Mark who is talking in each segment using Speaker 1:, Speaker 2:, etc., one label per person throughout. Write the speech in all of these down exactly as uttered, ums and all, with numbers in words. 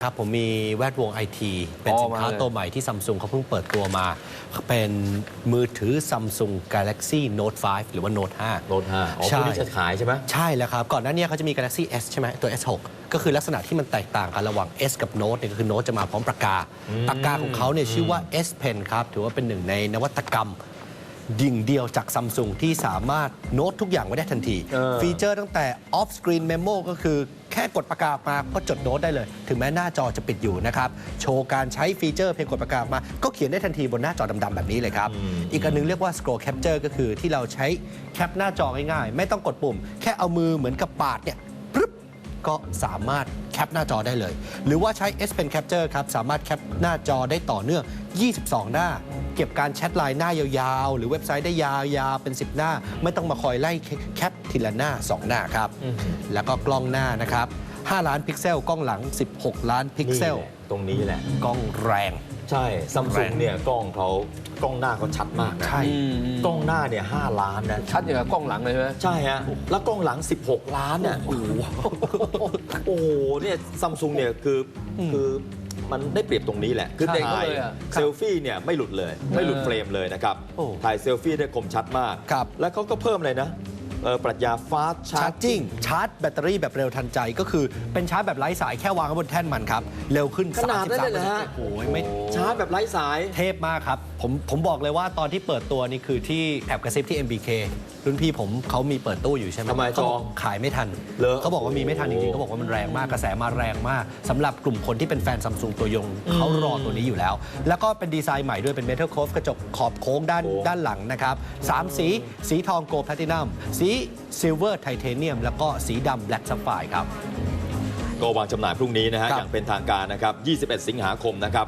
Speaker 1: ครับผมมีแวดวงไอทีเป็นสินค้าตัวใหม่ที่ซัมซุงเขาเพิ่งเปิดตัวมาเป็นมือถือ Samsung Galaxy Note ไฟว์ หรือว่า Note ไฟว์
Speaker 2: Note ไฟว์ อ๋อพวกนี้จะขายใช่ไหม
Speaker 1: ใช่แล้วครับก่อนหน้านี้เขาจะมี Galaxy S ใช่ไหมตัว เอส หก ก็คือลักษณะที่มันแตกต่างกันระหว่าง S กับ Note เนี่ยก็คือ Note จะมาพร้อมปากกาปากกาของเขาเนี่ยชื่อว่า S Pen ครับถือว่าเป็นหนึ่งในนวัตกรรมดิ่งเดียวจากซัมซุงที่สามารถโน้ตทุกอย่างไว้ได้ทันทีฟีเจอร์ตั้งแต่ Off Screen Memo ก็คือแค่กดปากกามาก็จดโน้ตได้เลยถึงแม้หน้าจอจะปิดอยู่นะครับโชว์การใช้ฟีเจอร์เพียงกดปากกามาก็เขียนได้ทันทีบนหน้าจอดำๆแบบนี้เลยครับอีกอันนึงเรียกว่า Scroll Capture ก็คือที่เราใช้แคปหน้าจอง่ายๆไม่ต้องกดปุ่มแค่เอามือเหมือนกับปาดเนี่ยปึ๊บก็สามารถแคปหน้าจอได้เลยหรือว่าใช้ S Pen Capture ครับสามารถแคปหน้าจอได้ต่อเนื่องยี่สิบสองหน้าเก็บการแชทไลน์หน้ายาวๆหรือเว็บไซต์ได้ยาวๆเป็นสิบหน้าไม่ต้องมาคอยไล่แคปทีละหน้าสองหน้าครับแล้วก็กล้องหน้านะครับห้าล้านพิกเซลกล้องหลังสิบหกล้านพิกเซล
Speaker 2: ตรงนี้แหละ
Speaker 1: กล้องแรง
Speaker 2: ใช่ซัมซุงเนี่ยกล้องเขากล้องหน้าเขาชัดมากนะ
Speaker 1: ใช่
Speaker 2: กล้องหน้าเนี่ยห้าล้านนะ
Speaker 3: ชัดอย่างกับกล้องหลังเลยใช่ไหม
Speaker 2: ใช่ฮะแล้วกล้องหลังสิบหกล้านเนี่ยโอ้โหโอ้โหเนี่ยซัมซุงเนี่ยคือคือมันได้เปรียบตรงนี้แหละคือถ่ายเซลฟี่เนี่ยไม่หลุดเลยไม่หลุดเฟรมเลยนะครับถ่ายเซลฟี่ได้คมชัดมากแล้วเขาก็เพิ่มอะไรนะปรัชญาฟาสต์ชาร์จิ่ง
Speaker 1: ชาร์จแบตเตอรี่แบบเร็วทันใจก็คือเป็นชาร์จแบบไร้สายแค่วางไว้บนแท่นมันครับเร็วขึ้น
Speaker 2: ขนาดนั้นเลยนะฮะ
Speaker 1: โอ้ยไม่
Speaker 2: ชาร์จแบบไร้สาย
Speaker 1: เทพมากครับผมผมบอกเลยว่าตอนที่เปิดตัวนี่คือที่แอบกระซิบที่ เอ็ม บี เค รุ่นพี่ผมเขามีเปิดตู้อยู่ใช่ไหม
Speaker 2: ทำไมจอง
Speaker 1: ขายไม่ทันเขาบอกว่ามีไม่ทันจริงๆเขาบอกว่ามันแรงมากกระแสมาแรงมากสำหรับกลุ่มคนที่เป็นแฟนซัมซุงตัวยงเขารอตัวนี้อยู่แล้วแล้วก็เป็นดีไซน์ใหม่ด้วยเป็นเมทัลโคฟกระจกขอบโค้งด้านด้านหลังนะครับสามสีสีทองโกลด์แพลตินัมสีซิลเวอร์ไทเทเนียมแล้วก็สีดำแบล็กซัฟไฟร์ครับ
Speaker 2: ก็วางจำหน่ายพรุ่งนี้นะฮะอย่างเป็นทางการนะครับยี่สิบเอ็ดสิงหาคมนะครับ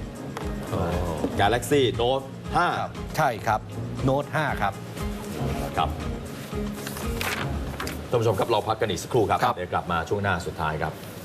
Speaker 2: Galaxy Note ไฟว์
Speaker 1: ใช่ครับ Note ไฟว์ ครับ
Speaker 2: ครับท่านผู้ชมครับเราพักกันอีกสักครู่ครับเดี๋ยวกลับมาช่วงหน้าสุดท้ายครับ